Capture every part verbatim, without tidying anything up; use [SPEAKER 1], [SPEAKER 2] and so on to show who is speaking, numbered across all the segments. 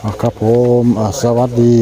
[SPEAKER 1] ครับผมสวัสดี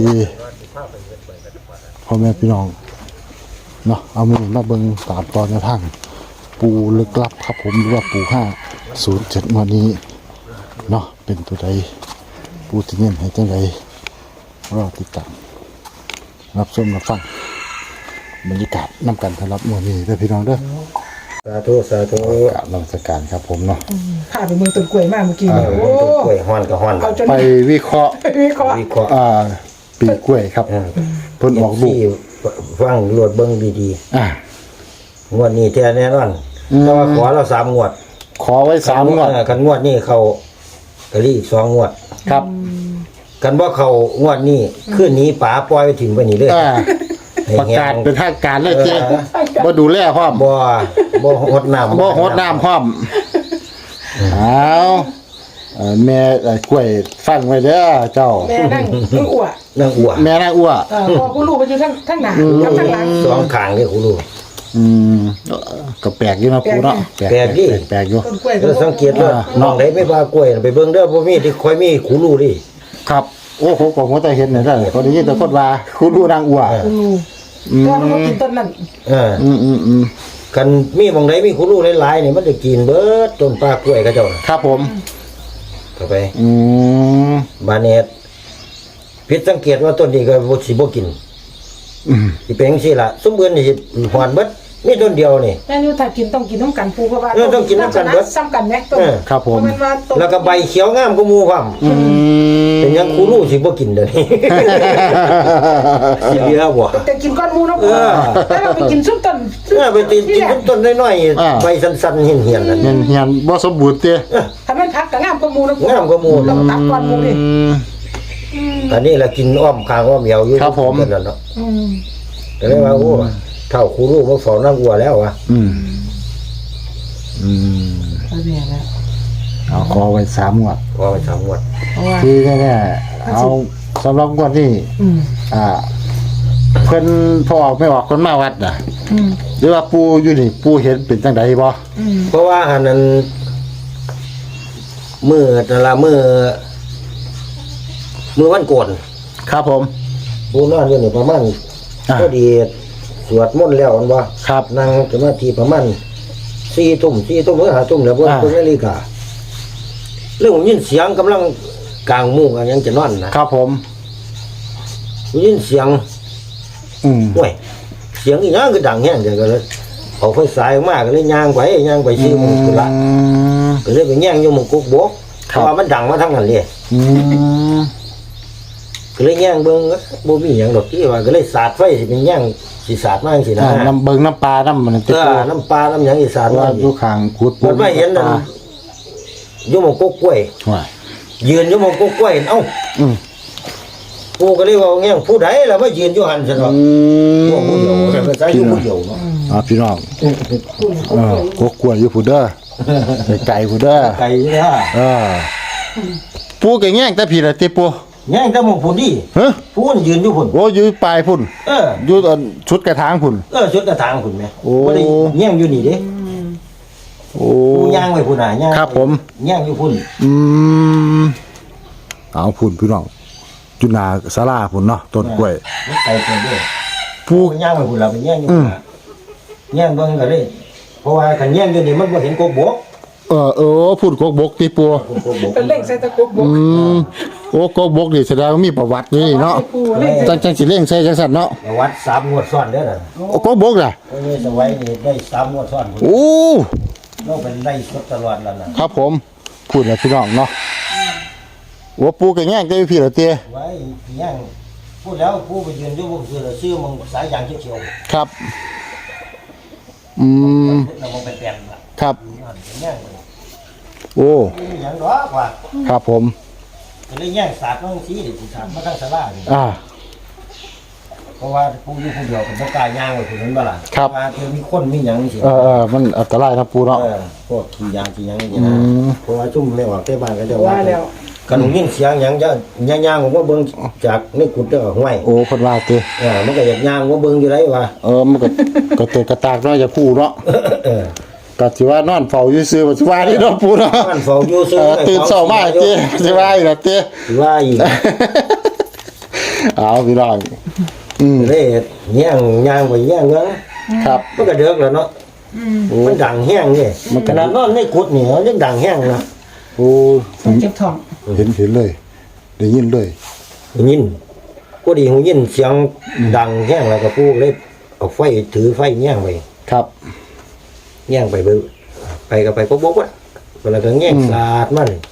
[SPEAKER 1] พ่อแม่พี่น้องเนาะเอามือมาเบิ่งตามตอนในทางปูลึกลับครับผมหรือว่าปูห้าศูนย์เจ็ดวันนี้เนาะเป็นตัวใดปูที่เน้นให้จังใดรอติดตามรับชมรับฟังบรรยากาศนำกันสำหรับวันนี้เด้อพี่น้องเด้อ
[SPEAKER 2] สาธุสาธุ
[SPEAKER 1] กราบนมัสการครับผมเนาะ
[SPEAKER 3] ข้าไปเมืองต้นกล้วยมากเมื่อกี้
[SPEAKER 2] เนี่ยโอ้กล้วยฮ้อนก็ฮ้อน
[SPEAKER 1] ไปวิเคราะห์
[SPEAKER 3] วิเคราะห์
[SPEAKER 2] วิเคราะห์
[SPEAKER 1] อ่าปีกล้วยครับเพิ่นออกลูก
[SPEAKER 2] ฟังรวดเบิ่งดี
[SPEAKER 1] ๆอ่
[SPEAKER 2] างวดนี้แท้แน่นอนแต่ว่าขอเราสามงวด
[SPEAKER 1] ขอไว้สามงวด
[SPEAKER 2] กันงวดนี้เขากะลี่อีกสองงวด
[SPEAKER 1] ครับ
[SPEAKER 2] กันบ่เขางวดนี้คืนนี้ป๋าปล่อยไปถิ่มไปนี่เลย
[SPEAKER 1] ประกาศเป็นทางการเลยเจ๊บ่ดูแลพร้อม
[SPEAKER 2] บ่บ่หดน้ำ
[SPEAKER 1] บ่หดน้ำพร้อมเอาแม่กล้วยฟังไว้เด้อเจ้า
[SPEAKER 3] แม่นั่งนั่งอ้ว
[SPEAKER 2] นั่งอ้ว
[SPEAKER 1] แม่นั่งอ้ว
[SPEAKER 3] พอกูรู้ไปอยู่ทั้งทั้งหน้ากับทั้งหลัง
[SPEAKER 2] สองข้างนี่กูรู้
[SPEAKER 1] อืมก็แปลกอยู่นะปูเนาะ
[SPEAKER 2] แปลกดิ
[SPEAKER 1] แปลกอยู่
[SPEAKER 2] แล้วสังเกตว่าน้องไหนไม่ว่ากล้วยไปเบิ่งเด้อบ่มีที่ค่อยมีกูรู้ดิ
[SPEAKER 1] ครับโอ้โหผมก็ได้เห็นเนี่ยได้ก็ได้ยินแต่คนว่าคุณรู้นางอ้ว
[SPEAKER 3] กูรู้ก็มันกินต้นนั้น
[SPEAKER 2] เอออืมอืมอืมกันมีบางไหนมีกูรู้หลายๆนี่มันจะกินเบิดต้นปลากล้วยเขาเจ้า
[SPEAKER 1] ครับผม
[SPEAKER 2] เข้าไป
[SPEAKER 1] อืม
[SPEAKER 2] บาเนตผิดสังเกตว่าต้นนี้ก็บ่สิบ่กิน
[SPEAKER 1] อืม
[SPEAKER 2] สิเป็นจังซี่ล่ะสมบูรณ์นี่สิหอนเบิดมีต้นเดียวนี่
[SPEAKER 3] แม่อยู่ถ้ากินต้องกินน้ำกันปูเพราะว่า
[SPEAKER 2] ต้องกินน้ำกันเบิด
[SPEAKER 3] ซ้ำกันแม่ต้น
[SPEAKER 1] ครับผม
[SPEAKER 2] แล้วก็ใบเขียวงามก็หมู่พร้อม
[SPEAKER 1] อืม
[SPEAKER 2] เป็นหยังคูรู้สิบ่กินเด้อนี่สิเหลือบ่
[SPEAKER 3] แต่กินก้อนหมูเนาะเออแต่เราไปกินซุปต้น
[SPEAKER 2] เออไปกินกินต้นน้อยๆใบสั้นๆเหี่ยนๆนั่น
[SPEAKER 1] เหี่ยนๆบ่สมบูรณ์เด้
[SPEAKER 3] ถ้ามันพักก็งามกว่าหมูเนาะ
[SPEAKER 2] งามกว่าหมู่
[SPEAKER 3] ต้องตัดก้อนหมูดิ
[SPEAKER 2] อันนี้ล่ะกินอ้อมคางอ้อมเหี่ยวอยู่
[SPEAKER 1] ครับผม
[SPEAKER 2] นั่นเนาะ
[SPEAKER 3] อืม
[SPEAKER 2] ก็เลยว่าโอ้เท่าคูรู้มาเฝ้านางอัวแล้ววะ
[SPEAKER 1] อืมอืม
[SPEAKER 3] เอาแม่แล้ว
[SPEAKER 1] เอาขอไว้สามงวด
[SPEAKER 2] ขอไว้สามงวด
[SPEAKER 1] ที่แน่ๆเอาสำหรับงวดนี้
[SPEAKER 3] อืม
[SPEAKER 1] อ่าเพิ่นพอออกไม่ออกคนมาวัดน่ะ
[SPEAKER 3] อืม
[SPEAKER 1] หรือว่าปู่อยู่นี่ปู่เห็นเป็นจังได๋บ่
[SPEAKER 3] อืม
[SPEAKER 2] เพราะว่าอันนั้นมื้อนั่นล่ะมื้อมื้อวันโกน
[SPEAKER 1] ครับผม
[SPEAKER 2] ปู่นอนอยู่นี่ประมาณพอดีสวดมนต์แล้วอันว่า
[SPEAKER 1] ครับ
[SPEAKER 2] นั่งสมาธิประมาณสี่ทุ่มสี่ทุ่มหรือห้าทุ่มแล้วบนบนนาฬิกาเรื่องยินเสียงกำลังกลางมุ้งอันยังจะนอนนะครับ
[SPEAKER 1] ผม
[SPEAKER 2] ยินเสียง
[SPEAKER 1] อืม
[SPEAKER 2] ห่วยเสียงอีหยังก็ดังแห้งเดี๋ยวก็เลยเอาไฟสายมากก็เลยย่างไปย่างไปซื้อมุ้งกุละก็เลยไปแย่งอยู่มุ้งกุกบกเพราะว่ามันดังมาทั้งนั้นเลย
[SPEAKER 1] อืม
[SPEAKER 2] ก็เลยแย่งเบิ่งบ่มีหยังดอกที่ว่าก็เลยสาดไฟสิเป็นแย่งสิสาดมาจังซี่นะ
[SPEAKER 1] น้ำเบิ่งน้ำปลาน้ำมัน
[SPEAKER 2] ติดตัวน้ำปลาน้ำหยังอีสาน
[SPEAKER 1] ว่าอยู่ข้างขุด
[SPEAKER 2] มันไม่เห็นนั่นอยู่หม้องกกล้วยยืนอยู่หม้องกกล้วยเอ้า
[SPEAKER 1] อืม
[SPEAKER 2] กูก็เลยว่าแง่งผู้ใดล่ะมายืนอยู่หั่นซั่นเนาะพวกผู้เดียวแต่ก็ใช้อยู่ผู้เดียวเนาะ
[SPEAKER 1] อ่าพี่น้องเออกกล้วยอยู่ผู้เด้อไก่ผู้เด้อ
[SPEAKER 2] ไก่เด้อ
[SPEAKER 1] เออปูก็แง่งแต่พี่ละติปู
[SPEAKER 2] แง่งแต่หม้องพุ่นดิ
[SPEAKER 1] ฮะ
[SPEAKER 2] พุ่นยืนอยู่พุ่น
[SPEAKER 1] โอ้อยู่ปลายพุ่น
[SPEAKER 2] เออ
[SPEAKER 1] อยู่ตอนชุดกระถางพุ่น
[SPEAKER 2] เออชุดกระถางพุ่นแม่
[SPEAKER 1] โอ้
[SPEAKER 2] บ่ได้แง่งอยู่นี่เด้
[SPEAKER 1] โอ้
[SPEAKER 2] ปูย่างไว้พุ่นน่ะย่าง
[SPEAKER 1] ครับผม
[SPEAKER 2] แง่งอยู่พุ่น
[SPEAKER 1] อืมเอาพุ่นพี่น้องจุนาศาลาพุ่นเนาะต้นกล้วย
[SPEAKER 2] ไก่ตัวเด้อปูย่างไว้พุ่นล่ะเป็นแง่งอยู่พุ่นแง่งเบิ่งก็เลยเพราะว่าคันแง่งอยู่นี่มันบ่เห็นกบก
[SPEAKER 1] เออเออพุ่นกบกติปู
[SPEAKER 3] เป็นเล่งใส่ตะกบก
[SPEAKER 1] อืมโอ้กบกนี่แสดงว่ามีประวัตินี่เนาะจังจังสิเล่งใส่จังซั่นเนาะ
[SPEAKER 2] ประวัติสามงวดซ้อนเด้อน่ะ
[SPEAKER 1] โอ้กบกล่ะ
[SPEAKER 2] โอ้ยสวัยนี่ได้สามงวดซ้อน
[SPEAKER 1] โอ้
[SPEAKER 2] เราเป็นได้สดตลอดแล้วน่ะ
[SPEAKER 1] ครับผมพูดแล้วพี่น้องเนาะโอ้ปูก็แง่งได้พี่ละเตี้ย
[SPEAKER 2] ไว้แง่งพูดแล้วปูไปยืนอยู่บ่คือชื่อมึงสายยางเขียว
[SPEAKER 1] ๆครับอืม
[SPEAKER 2] เราบ่เป็นแปลนล่ะ
[SPEAKER 1] ครับ
[SPEAKER 2] แง่ง
[SPEAKER 1] โอ้
[SPEAKER 2] มีหยังดอกว่า
[SPEAKER 1] ครับผม
[SPEAKER 2] ก็เลยแย่งสาดน้องสีดิสิสาดมาทางศาลานี่
[SPEAKER 1] อ่า
[SPEAKER 2] เพราะว่าผู้อยู่ผู้เดียวเป็นบ่กล้าย่างไว้ผู้นั้นบ่ล่ะ
[SPEAKER 1] ครับ
[SPEAKER 2] ว่าคือมีคนมีหยังสิ
[SPEAKER 1] เออๆมันอันตรายนะปูเนาะ
[SPEAKER 2] เออพวกขี้ยางขี้หยังนี่นะเพราะว่าซุ่มไม่ออกแต่บ้านก็จะว่า
[SPEAKER 3] แล้ว
[SPEAKER 2] กันยินเสียงหยังจะย่างๆผมว่าเบิ่งจากในกุดเด้อห้วย
[SPEAKER 1] โอ้เพิ่นว่าติ
[SPEAKER 2] เออมันก็อยากย่างว่าเบิ่งอยู่ไดว่า
[SPEAKER 1] เออมันก็ก็เตะกระตากเนาะอย่าคู่เนาะ
[SPEAKER 2] เออ
[SPEAKER 1] ก็สิว่านอนเฝ้าอยู่ซื่อบ่สิว่าที่เนาะปูเนาะ
[SPEAKER 2] มันเฝ้าอยู่
[SPEAKER 1] เอ
[SPEAKER 2] ซื่อ
[SPEAKER 1] อตื่นเช้ามาเจ้สิว่าอีกแล้วเจ้
[SPEAKER 2] สิว่าอีก
[SPEAKER 1] เอาพี่น้องอืม
[SPEAKER 2] เลยแย่งย่างไปแย่งเนาะ
[SPEAKER 1] ครับ
[SPEAKER 2] มันก็เดือกแล้วเนาะมันดังแห้งนี่ขนาดนอนในกุดนี่มันยังดังแห้งเนาะ
[SPEAKER 1] โอ้
[SPEAKER 3] ต้องเก็บทอง
[SPEAKER 1] เห็นเห็นเลยได้ยินเลย
[SPEAKER 2] หูยินก็ดีหูยินเสียงดังแห้งแล้วก็พูกเลยเอาไฟถือไฟแย่งไป
[SPEAKER 1] ครับ
[SPEAKER 2] แย่งไปเบิ่งไปก็ไปก็บอกว่าเวลาก็แย่งสาดมาเลย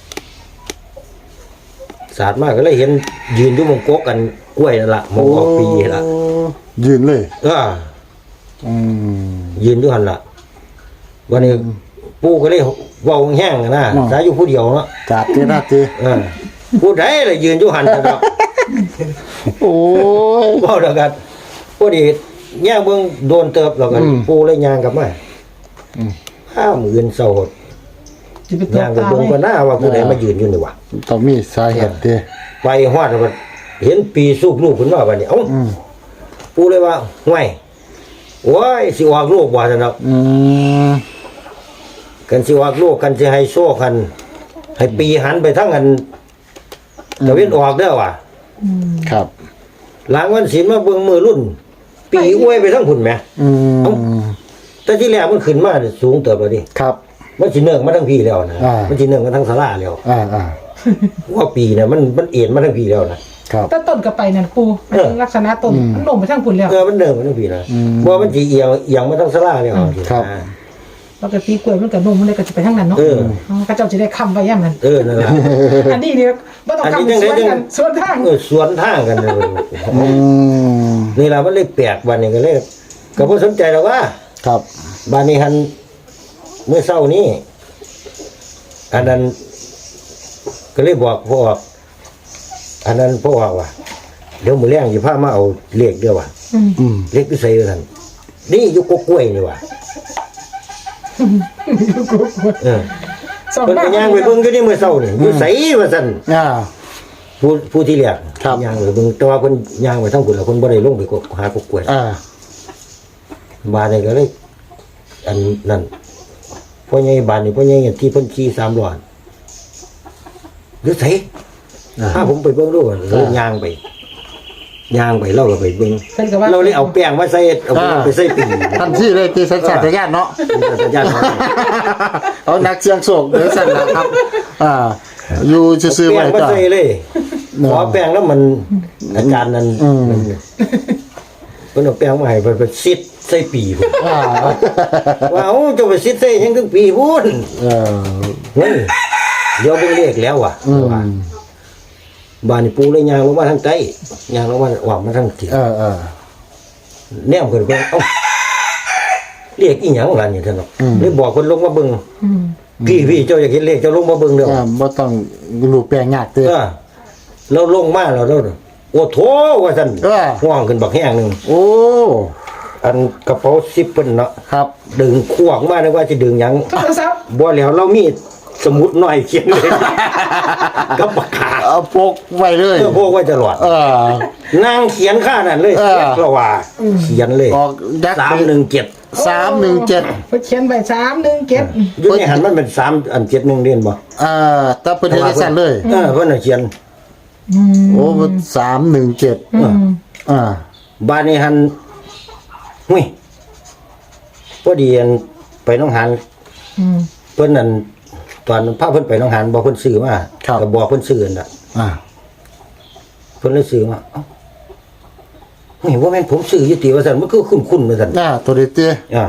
[SPEAKER 2] สาดมากก็เลยเห็นยืนอยู่มงกกกันกล้วยนั่นล่ะมงกกปีนั่นล่ะ
[SPEAKER 1] โอ้ยืนเลย
[SPEAKER 2] เออ
[SPEAKER 1] อืม
[SPEAKER 2] ยืนอยู่หั่นล่ะวันนี้ปู่ก็เลยเว้าแห้งๆนะ
[SPEAKER 1] อืม
[SPEAKER 2] สายอยู่ผู้เดียวเนาะ
[SPEAKER 1] จัดเจ้หน้าเจ้
[SPEAKER 2] เออผู้ใดล่ะยืนอยู่หั่นนะครับ
[SPEAKER 1] โอ้ย
[SPEAKER 2] เว้าแล้วกันพอดีแย่งเบิ่งโดนเติบแล้วกัน
[SPEAKER 1] อืม
[SPEAKER 2] ปู่เลยย่างกลับมา
[SPEAKER 1] อืม
[SPEAKER 2] ห้าหมื่นเศร้าหด
[SPEAKER 3] จะไปตก
[SPEAKER 2] ย่างไป
[SPEAKER 3] ตา
[SPEAKER 2] เบิ่ง
[SPEAKER 3] เล
[SPEAKER 2] ก็
[SPEAKER 3] ย
[SPEAKER 2] น่าว่าผู้ใดมายืนอยู่นี่วะ
[SPEAKER 1] ต้องมีสาเหตุเจ้
[SPEAKER 2] ไปฮอดว่าเห็นปีสูบลูกขึ้นมาบัดนี้เอ้า
[SPEAKER 1] อืม
[SPEAKER 2] ปู่เลยว่าห่วยโอ้ยสิออกลูกบ่ซั่นเนาะ
[SPEAKER 1] อืม
[SPEAKER 2] กันสิออกลูกกันสิให้โซ่กัน ให้ปีหันไปทั้งอันตะเวนออกเด้อว่ะ
[SPEAKER 1] ครับ
[SPEAKER 2] หลังวันศีลมาเบิ่งมือรุ่น ปีอวยไปทั้งพุ่นแหม
[SPEAKER 1] อืม
[SPEAKER 2] เอ้า แต่ที่แรกมันขึ้นมาเนี่ยสูงเติบแล้วดิ
[SPEAKER 1] ครับ
[SPEAKER 2] มันสิเนื่องมาทั้งพี่แล้วนะ
[SPEAKER 1] อ่ามั
[SPEAKER 2] มันสิเนื่องมาทั้งศาลาแล้ว
[SPEAKER 1] อ่าอ่า
[SPEAKER 2] ว่าปีเนี่ยมันมันเอ็นมาทั้งพี่แล้วนะครับ
[SPEAKER 3] ต้นต้นก็ไปนั่นปูมันเป็นลักษณะต้นมันลงไปทางพุ่นแล้ว
[SPEAKER 2] เออมันเนื่องมาทั้งพี่นะ
[SPEAKER 1] อืม
[SPEAKER 2] บ่มันสิเอียงเอียงมาทั้งศาลาแล้ว
[SPEAKER 1] ครับ
[SPEAKER 2] อ่า
[SPEAKER 3] ปกติกล้วยมันก็นุ่มมันเลยก็จะไปทางนั้นเนาะ
[SPEAKER 2] เออ
[SPEAKER 3] พระเจ้าจะได้ค้ำไว้ย่ำนั้น
[SPEAKER 2] เออนั่นล่ะ
[SPEAKER 3] อันนี้เนี่ยบ่ต้อง
[SPEAKER 2] อันนี้
[SPEAKER 3] ค้ำ
[SPEAKER 2] จัง
[SPEAKER 3] ส
[SPEAKER 2] ได๋
[SPEAKER 3] วน
[SPEAKER 2] จั
[SPEAKER 3] กัน
[SPEAKER 2] ง
[SPEAKER 3] สวนทาง
[SPEAKER 2] เออสวนทางกันเลย
[SPEAKER 1] อืม
[SPEAKER 2] นี่ล่ะมันเลยแปลกวันนี้ก็เลยก็บ่สนใจหรอกว่า
[SPEAKER 1] ครับ
[SPEAKER 2] บ้านนี้หันเมื่อเช้านี้อันนั้นก็เลยบอกพ่ออันนั้นพ่อว่าว่าเดี๋ยวมือแรงสิพามาเอาเลขเด้อว่ะ
[SPEAKER 3] อืม
[SPEAKER 1] อืม
[SPEAKER 2] เลขที่ใส่ท่านนี่อยู่กกล้วยนี่ว่ะเออ
[SPEAKER 3] สอง
[SPEAKER 2] เพิ่น
[SPEAKER 3] บ้า
[SPEAKER 2] ก็
[SPEAKER 3] น
[SPEAKER 2] ย่างไปเบิ่งก็นี่มื้อเช้านี่อยู่ไสว่าซั่น
[SPEAKER 1] อ่า
[SPEAKER 2] ผู้ผู้ที่เรียก
[SPEAKER 1] ครับ
[SPEAKER 2] ย่างไปเบิ่งแต่ว่าเพิ่นย่างไปทางพุ่นแล้วเพิ่นบ่ได้ลงไปกกหากกล้วย
[SPEAKER 1] อ่า
[SPEAKER 2] บ้านนี้ก็เลยอันนั้นพ่อใหญ่บ้านนี่พ่อใหญ่ที่เพิ่นขี่สามล้ออยู่ไส
[SPEAKER 1] อ่า
[SPEAKER 2] ถ้าผมไปเบิ่งดูเลยย่างไปย่างไปเราก็ไปเบิ่ง
[SPEAKER 3] เพิ่นก็ว่า
[SPEAKER 2] เราเลยเอาแป้งมาใส่เอาแป้งไปใส่ปี
[SPEAKER 1] ทันที่เลยตีสัญชาตญาณเนาะ
[SPEAKER 2] ญาติเขา
[SPEAKER 1] เอานักเสียงโศกเดี๋ยวสั่นละครับ อ่า อยู่ซื่อๆ
[SPEAKER 2] แป้
[SPEAKER 1] ไว้
[SPEAKER 2] งมา
[SPEAKER 1] จ้ะ
[SPEAKER 2] ใส่เลยขอแป้งแล้วมันอาจารย์นั้น
[SPEAKER 1] อืม
[SPEAKER 2] มันเพิ่นเอาแป้งมาให้เพิ่นไปซิดใส่ปีพุ่น
[SPEAKER 1] อ่า
[SPEAKER 2] ว่าเอ้าเจะไปซิดใส่หยังถึงปีพุ่น
[SPEAKER 1] เออ
[SPEAKER 2] เฮ้ยเดี๋ยวเบิ่งเลขแล้วว่ะ
[SPEAKER 1] อืม
[SPEAKER 2] ว่าบ้านนี่ปูเลยย่างลงมาทางใต้ย่างลงมาออกมาทางทิศ
[SPEAKER 1] เออเออ
[SPEAKER 2] แนมขึ้นไปเอ้าเรียกอีหยังล่ะนี่ท่านเนาะ
[SPEAKER 1] อืม
[SPEAKER 2] เลยบอกคนลงมาเบิ่ง
[SPEAKER 3] อืม
[SPEAKER 2] พี่พี่เจ้าอยากเห็นเลขเจ้าลงมาเบิ่งเด้อ
[SPEAKER 1] อ่าบ่ต้องรูปแปลงยากเด้อ
[SPEAKER 2] เออเราลงมาแล้วเราโอ้โถว่าซั่น
[SPEAKER 1] เออ
[SPEAKER 2] ห่วงขึ้นบักแห้งหนึง
[SPEAKER 1] โอ้
[SPEAKER 2] อันกระเป๋าซิปเพิ่นเนาะ
[SPEAKER 1] ครับ
[SPEAKER 2] ดึงขวางมานึกว่าสิดึงหยัง
[SPEAKER 3] โทรศัพท์
[SPEAKER 2] บ่แล้วเรามีสมุดน้อยเขียนเลย กับปากกา
[SPEAKER 1] เอาพกไว้เลย
[SPEAKER 2] เพื่อพวกไว้ตลอด
[SPEAKER 1] เออ
[SPEAKER 2] นางเขียนค่านั่นเลย
[SPEAKER 1] เออ
[SPEAKER 2] เพราะว่าเขียนเลย
[SPEAKER 1] ออกยักษ์
[SPEAKER 2] สามหนึ่งเจ็ด
[SPEAKER 1] สามหนึ่งเจ็ด
[SPEAKER 3] เพิ่นเขียนไว้สามหนึ่งเจ็ด
[SPEAKER 2] อยู่ในหันมันเป็นสามอันเจ็ดหนึ่งเรียนบ่
[SPEAKER 1] อ่าแตาเพิ่นเฮ็ดได้สั่นเลย
[SPEAKER 2] เออเพิ่นน่ะเขียน
[SPEAKER 3] อืม
[SPEAKER 1] โอ้สามหนึ่งเจ็ด
[SPEAKER 3] อืม
[SPEAKER 1] อ่า
[SPEAKER 2] บ้านนี้หันหุ้ยพอดีอันไปหน้องหาน
[SPEAKER 3] อืม
[SPEAKER 2] เพิ่นนั่นตอนพาเพิ่นไปหน้องหานบอกเพิ่นซื้อมาก็บอกเพิ่นซื้อนั่นน่ะ
[SPEAKER 1] อ่า
[SPEAKER 2] เพิ่นเลยซื้อมาเอ้าเฮ้ยว่าแม่นผมซื้ออยู่ติว่าซั่นมันคือคุ้นๆว่าซั่น
[SPEAKER 1] อ่าตัวเด็ดเตี้ย
[SPEAKER 2] อ่า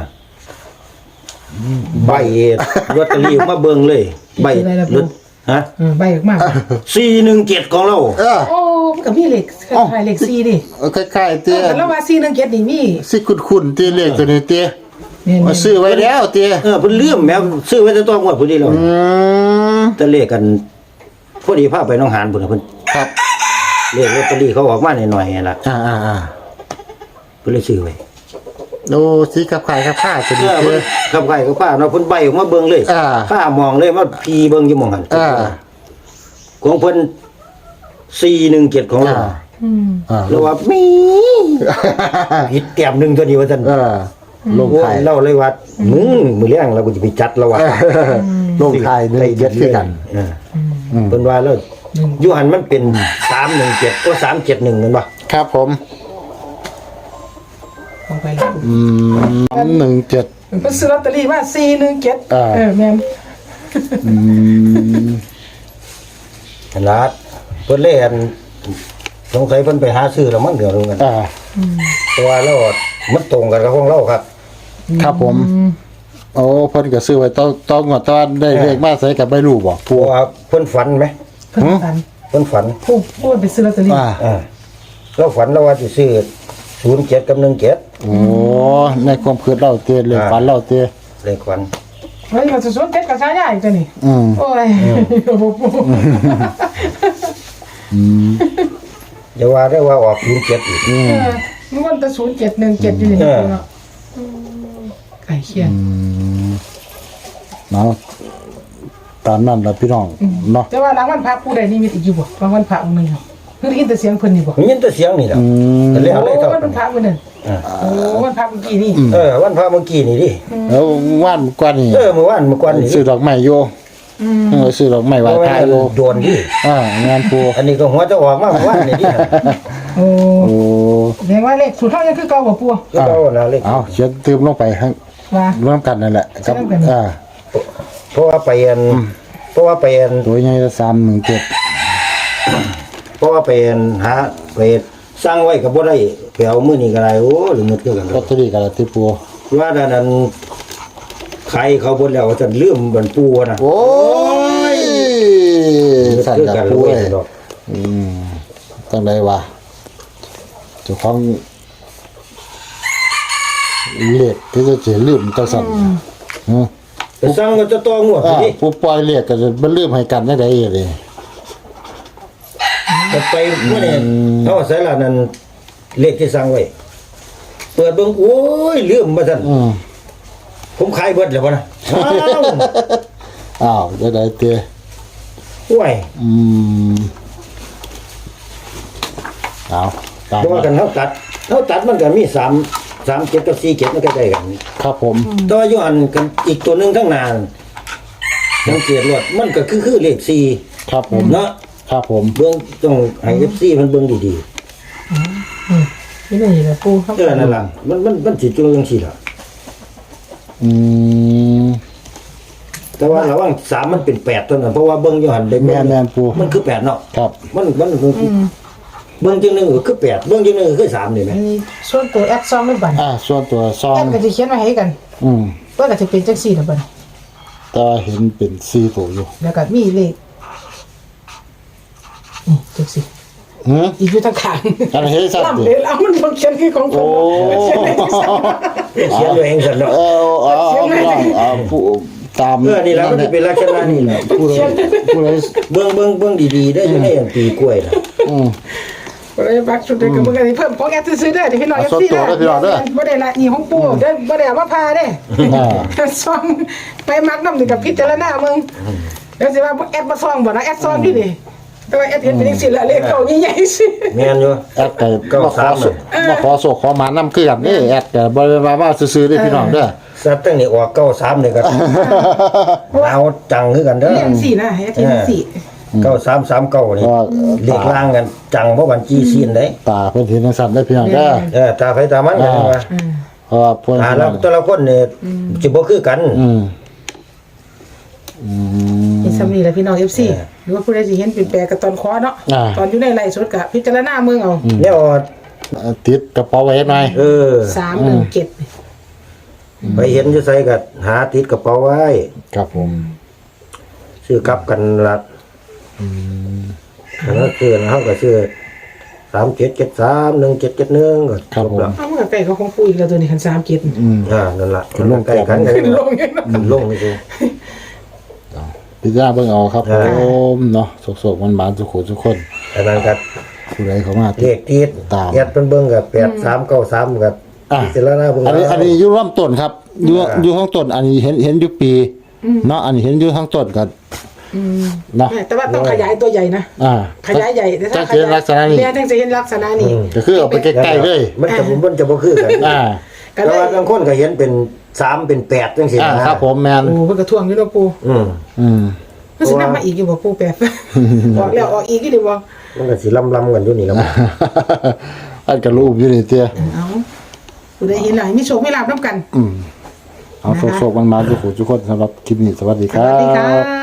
[SPEAKER 2] ใบลอตเตอรี่มาเบิ่งเลยใบลอตฮะ
[SPEAKER 3] อืมใบออกมา
[SPEAKER 2] สี่หนึ่งเจ็ดของเรา
[SPEAKER 1] เออ
[SPEAKER 3] โอ้มันก็มีเลขคล้ายๆเลขสี่ดิ
[SPEAKER 1] คล้ายๆ
[SPEAKER 3] เอ
[SPEAKER 1] เตี้ย
[SPEAKER 3] อแต่เราว่าสี่หนึ่งเจ็ดนี่มี
[SPEAKER 1] สิคุ้นๆเตี้ยเลขตัวนี้เตี้ย
[SPEAKER 3] เนี่ย
[SPEAKER 1] มาซื้อไว้แล้วเตี้ย
[SPEAKER 2] เออเพิ่นเลื่อมแม่ซื้อไว้แต่ต้องงวดพุ่นนี่แล้ว
[SPEAKER 1] อืม
[SPEAKER 2] แต่เลขกันพอดีพาไปหน้องหานพุ่นน่ะเพิ่น
[SPEAKER 1] ครับ
[SPEAKER 2] เลขลอตเตอรี่เขาออกมาหน่อยๆนั่นล่ะ
[SPEAKER 1] อ่าอ่าอ่า
[SPEAKER 2] เพิ่นเลยซื้อไว้
[SPEAKER 1] โอ้สีกับไข่กับผ้าตัว
[SPEAKER 2] เอ
[SPEAKER 1] นี้
[SPEAKER 2] อ
[SPEAKER 1] เตี้
[SPEAKER 2] เพิ่
[SPEAKER 1] ย
[SPEAKER 2] นขับไข่กับป้าเนาะเพิ่นใบออกมาเบิ่งเลย
[SPEAKER 1] อ่า
[SPEAKER 2] ป้ามองเลยว่าพีเบิ่งอยู่หม่องหัน
[SPEAKER 1] อ่า
[SPEAKER 2] ของเพิ่นสี่หนึ่งเจ็ดของเรา
[SPEAKER 1] อ่า
[SPEAKER 3] อืม
[SPEAKER 1] อ่า
[SPEAKER 2] แล้วว่ามีผิดแต้มหนึงตัวนี้ว่าซั่น
[SPEAKER 1] เออลง
[SPEAKER 2] โอ้
[SPEAKER 1] ท้าย
[SPEAKER 2] ยเล่าเลยว่ามึงมือเลี้ยงเราก็จะไปจัดแล้วว่ะ
[SPEAKER 1] ลงท้ายหนึ่งเจ็ดคือกัน
[SPEAKER 2] เออเพิ่นว่าแล้วอยูหันมันเป็นสามหนึ่งเจ็ดก็สามเจ็ดหนึ่งนั่นป่ะ
[SPEAKER 1] ครับผม
[SPEAKER 3] ลงไปแล้ว
[SPEAKER 1] อืมหนึ่งเจ็ด
[SPEAKER 3] เพิ่นซื้อลอตเตอรี่มาสี่หนึ่งเจ็ด
[SPEAKER 1] อ่า
[SPEAKER 3] เออแม่น
[SPEAKER 1] อืม
[SPEAKER 2] ขนาดเพิ่นเล่นสงสัยเพิ่นไปหาซื้อแล้วมั้งเดี๋ยวรู้กัน
[SPEAKER 1] อ่า
[SPEAKER 2] เพราะว่าเรามันตรงกันกับของเราครับ
[SPEAKER 1] ครับผม โอ้เพิ่นก็ซื้อไว้ต้องต้องงวดตอนได้เลขมาใส่กับใบรูปบ่
[SPEAKER 2] เพราะว่าเพิ่นฝันไหม
[SPEAKER 3] เพิ่นฝัน
[SPEAKER 2] เพิ่นฝัน
[SPEAKER 3] ผู้ผู้ไปซื้อลอตเตอรี่
[SPEAKER 1] อ่า
[SPEAKER 2] อ่าเราฝันเราว่าจะซื้อศูนย์เจ็ดกับหนึ่งเจ็ด
[SPEAKER 1] โอ้ในความคิดเราเตเลข
[SPEAKER 2] อ่า
[SPEAKER 1] ฝันเราเต
[SPEAKER 2] เลขฝัน
[SPEAKER 3] เฮ้ยมันจะสวนเจ็ดกับชายใหญ่ตัวนี้
[SPEAKER 1] อืม
[SPEAKER 3] โอ้ยโอ้โหปู่
[SPEAKER 1] อืม
[SPEAKER 2] อย่าว่าได้ว่าออกศูนย์เจ็ดอีก
[SPEAKER 3] เออมันวันแต่ศูนย์เจ็ดหนึ่งเจ็ดอยู่นี่นะปู่เนาะอืมไก่เคียน
[SPEAKER 1] อืมเนาะตามนั้นล่ะพี่น้องเนาะ
[SPEAKER 3] แต่ว่าหลังวันพระผู้ใดนี่มีอีกอยู่บ่บางวันพระองค์หนึงเหรอคือได้ยินแต่เสียงเพิ่นนี่บ่
[SPEAKER 2] มันยินแต่เสียงนี่แหละ
[SPEAKER 1] อืม
[SPEAKER 2] แต่เรียก
[SPEAKER 3] โอ้
[SPEAKER 2] อะไรเท่า
[SPEAKER 3] วันพระมื้อนั้น
[SPEAKER 2] อ่า
[SPEAKER 3] โอ้วันพระเมื่อกี้นี่
[SPEAKER 2] เออวันพระเมื่อกี้นี่ดิ
[SPEAKER 1] แล้วว่านกว่านี่
[SPEAKER 2] เออเมื่อวานเมื่อก่อนนี่ดิ
[SPEAKER 1] ซื้อดอกไม้โยเออซื้อดอกไม้ไหว้พระโย
[SPEAKER 2] โดนดิ
[SPEAKER 1] อ่างานปู
[SPEAKER 2] อันนี้ก็หัวจะออกมาเมื่อวานนี่ดิ
[SPEAKER 3] โอ้
[SPEAKER 1] โอ้
[SPEAKER 3] แสดงว่าเลขสูตรเฮายังคือเก่าบ่ปู่
[SPEAKER 2] ก็เอานะเลข
[SPEAKER 1] เอาเขียนตืมลงไปให้
[SPEAKER 3] ว่า
[SPEAKER 1] ร่วมกันนั่นแหละกับ
[SPEAKER 3] ร่วมกัน
[SPEAKER 1] อ่า
[SPEAKER 2] เพราะว่าไปอันเพราะว่าไปอัน
[SPEAKER 1] ตัวใหญ่ละสามหนึ่งเจ็ด
[SPEAKER 2] เพราะว่าไปอันหาไปสร้างไว้ก็บ่ได้ไปเอามื้อนี้ก็ได้โอ้หรือมืดคือกัน
[SPEAKER 1] ลอตเตอรี่กับลอตเตอรี่ปู
[SPEAKER 2] ว่าด้านนั้นใครเขาบ่แล้วจะลืมบันปูนะ
[SPEAKER 1] โอ้ยสั่น
[SPEAKER 2] คือ
[SPEAKER 1] กับ
[SPEAKER 2] กัน
[SPEAKER 1] ปู
[SPEAKER 2] เล
[SPEAKER 1] เลย ย
[SPEAKER 2] ดอก
[SPEAKER 1] อืมตั้งใดวะเจ้าของเลขที่จะเสียลืมจังสั่นฮะ
[SPEAKER 2] ไปสร้างก็จะต้องงวด
[SPEAKER 1] อ่า
[SPEAKER 2] ดิ
[SPEAKER 1] ผู้ปล่อยเลขก็จะบ่ลืมให้กันได้ไดเลย
[SPEAKER 2] จะไปมื้อนี้เอาใส่ละนั้นเลขที่สร้างไว้เปิดเบิ่งโอ้ยลืมมาซั่น
[SPEAKER 1] อืม
[SPEAKER 2] ผมขายเบิดแล้วบ่นะอ้าว
[SPEAKER 1] อ้าวจะได้เตะ
[SPEAKER 2] ห่วย
[SPEAKER 1] อืมเอาตาม
[SPEAKER 2] เพราะว่ากันเฮาตัดเฮาตัดมันก็มีสาม สามเจ็ดกับสี่เจ็ดมันใกล้ๆกัน
[SPEAKER 1] ครับผม
[SPEAKER 2] แตัวาอยู่อันกันอีกตัวหนึงข้างหน้าสังเกตรวดมันก็คือคือเลขสี่
[SPEAKER 1] ครับผม
[SPEAKER 2] เนาะ
[SPEAKER 1] ครับผม
[SPEAKER 2] เบิ่งต้องให้ เอฟ ซี มันเบิ่งดี
[SPEAKER 3] นี่นี่แหละปู่ครับ
[SPEAKER 2] ๆเออนั่นล่ะมันมันมันสิจุจังซี่ล่ะ
[SPEAKER 1] อืม
[SPEAKER 2] แต่ว่าระหว่างสามมันเป็นแปดตัวนั้นเพราะว่าเบิ่งอยู่หั่นได้
[SPEAKER 1] แม่นแม่นปู
[SPEAKER 2] มันคือแปดเนาะ
[SPEAKER 1] ครับ
[SPEAKER 2] มันมันคือเบิ่งจังหนึงก็คือแปดเบิ่งจังหนึงก็คือสามนี่แหม
[SPEAKER 3] อันนี้ส่วนตัวแอดซองไม่บัน
[SPEAKER 1] อ่าส่วนตัวซอ
[SPEAKER 3] แอง ดก็จะเขียนไว้ให้กัน
[SPEAKER 1] อืม
[SPEAKER 3] เพื่อก็จะเป็นจังสี่นะบัน
[SPEAKER 1] แต่ว่าเห็นเป็นสี่ตัวอยู่
[SPEAKER 3] แล้วก็มีเลขนี่จังสี่
[SPEAKER 1] หือ
[SPEAKER 3] อีกอยู่ทางข้าง
[SPEAKER 1] อันเฮ็ดสัตว์
[SPEAKER 3] ลำ
[SPEAKER 1] ดิ
[SPEAKER 3] เลยแล้วมันบ่เขียนคือของผ
[SPEAKER 1] โอ้
[SPEAKER 3] มเขียนเลขที่สาม
[SPEAKER 2] เขียนไว้เองซั่นเนาะ
[SPEAKER 1] เออเอาเอาเอาเอาผู้ตาม
[SPEAKER 2] เออนี่ล่ะมันสิเป็นลักษณะนี้แหละ
[SPEAKER 1] ผู้ใดผู้ใด
[SPEAKER 2] เบิ่งเบิ่งเบิ่งดีๆได้อยู่ในอันปีกล้วยน่ะ
[SPEAKER 1] อืม
[SPEAKER 3] บ่ได้บักสุดเลยก็มึงก็สิเพิ่มของแอดซื้อๆเด้อเดี๋ยวพี่น้อง
[SPEAKER 1] เอา
[SPEAKER 3] เอฟซี
[SPEAKER 1] ส่วนตัวเด้อพี่น้องเด้อ
[SPEAKER 3] บ่ได้ละนี่ของปู่เด้อบ่ได้เอามาพาเด้
[SPEAKER 1] อ่า
[SPEAKER 3] ซองไปมักน้ำนี่กับพิจารณามึงเดี๋ยวสิว่าแอดมาซองบ่นะแอดซองนี่นี่แต่ว่าแอดเห็นเป็นจังซี่ละเลขเก่าใหญ่ๆสิ
[SPEAKER 2] แม่นอยู่
[SPEAKER 1] แอดก็
[SPEAKER 2] เก้า
[SPEAKER 1] มาขอ
[SPEAKER 2] สาม
[SPEAKER 1] สุมาขอโศกขอหมานำคือกันนี่แอดก็บ่ได้มาว่าซื่อๆเด้อพี่น้องเด้อ
[SPEAKER 2] สัตว์ตั้งนี่ออกเก้าสามนี่ก็เอาจังคือกันเด้อ
[SPEAKER 3] เรียงสี่นะให้อาทิตย์สี่
[SPEAKER 2] เก้าสามสามเก้านี่
[SPEAKER 1] ว่า
[SPEAKER 2] เลขล่างกันจังเพราะวันจีซีนได้
[SPEAKER 1] ตาเพิ่นเห็นจังซั่นได้อพี่น้องเด้อ
[SPEAKER 2] เออตาไฟตามันกันว่า
[SPEAKER 1] เพราะว่าเพิ่น
[SPEAKER 2] ตาแล้วแต่ละคนเนี่ยสิบ่คือกัน
[SPEAKER 1] อืมอืม
[SPEAKER 3] นี่สำนีแหละพี่น้อง เอฟ ซี หรือว่าผู้ใดสิเห็นเปลี่ยนแปลงกับตอนคอเนาะ
[SPEAKER 1] อ่า
[SPEAKER 3] ตอนอยู่ในไร่สดกับพิจารณาเมืองเอา
[SPEAKER 2] เนี่ยว่า
[SPEAKER 1] ติดกระเป๋าไว้หน่อย
[SPEAKER 2] เออ
[SPEAKER 3] สามหนึ่งเจ็ด
[SPEAKER 2] ไปเห็นอยู่ไสก็หาติดกระเป๋าไว้
[SPEAKER 1] ครับผม
[SPEAKER 2] ซื้อกลับกันละอืมแล้วซื้อเฮาก็ซื้อสามเจ็ดเจ็ดสามหนึ่งเจ็ดเจ็ดหนึ่งก็จบแล้ว
[SPEAKER 3] เอาเมื่อไก่เขาคงปูอีกแล้วตัวนี้คันสามเจ็ด
[SPEAKER 1] อืม
[SPEAKER 2] อ่านั่นล่ะ
[SPEAKER 1] ขึ้นลง
[SPEAKER 2] ใกล้กันกัน
[SPEAKER 3] ขึ้นลงยังเนาะ
[SPEAKER 2] ขึ้นลงนี่คือ
[SPEAKER 1] พิจารณาเบิ่งเอาครับผ
[SPEAKER 2] อ่า
[SPEAKER 1] มเนาะโศกๆมันหมานๆทุกคนทุกคน
[SPEAKER 2] อันนั้นก็
[SPEAKER 1] ผู้ใดเข้ามา
[SPEAKER 2] เลขติด
[SPEAKER 1] ตาม
[SPEAKER 2] แอดเพิ่นเบิ่งก็แปดสามเก้าสามก็
[SPEAKER 1] อ่ะ
[SPEAKER 2] พิจารณาเบิ่ง
[SPEAKER 1] อันนี้
[SPEAKER 2] แล้ว
[SPEAKER 1] อันนี้อยู่ร่วมต้นครับอยู่อยู่ข้างต้นอันนี้เห็นเห็นอยู่ปีเนาะอันนี้เห็นอยู่ข้างต้นกันเนาะ
[SPEAKER 3] แต่ว่าต้องขยายตัวใหญ่นะ
[SPEAKER 1] อ่า
[SPEAKER 3] ขยายใหญ่แต่ถ้า
[SPEAKER 1] จะ
[SPEAKER 3] ข
[SPEAKER 1] เห็น
[SPEAKER 3] ยาย
[SPEAKER 1] ลักษณะนี้
[SPEAKER 3] เนี่ยถึงจะเห็นลักษณะนี้
[SPEAKER 1] ก็คือเอาไปใกล้ๆเลย
[SPEAKER 2] มันจะมันจะบ่คือกัน
[SPEAKER 1] อ่า
[SPEAKER 3] ก็
[SPEAKER 2] แต่
[SPEAKER 3] เลย
[SPEAKER 2] ว่าบางคนก็เห็นเป็นสามเป็นแปดจังซี่
[SPEAKER 1] อ่า
[SPEAKER 2] นะครับ
[SPEAKER 1] ผมแมน
[SPEAKER 3] โอ้เพิ่นก็ท่วงอยู่เนาะปู
[SPEAKER 2] อืม
[SPEAKER 1] อืม
[SPEAKER 3] มันสินำมาอีกอยู่บ่ปูแปดออกแล้วออกอีกอยู่ดิบ่
[SPEAKER 2] มันก็สิลำๆกันอยู่นี่แล้วมั้ง
[SPEAKER 1] อันกระลูกอยู่นี่เตี้ย
[SPEAKER 3] เอาผู้ใดเห็นแล้วให้มีโชคมีลาภนํกัน
[SPEAKER 1] อืมเอาโชคๆมันมาทุกคนทุกคนสำหรับคลิปนี้สวัสดีค
[SPEAKER 3] ส
[SPEAKER 1] รั
[SPEAKER 3] วัสดีค่
[SPEAKER 1] บ
[SPEAKER 3] ะ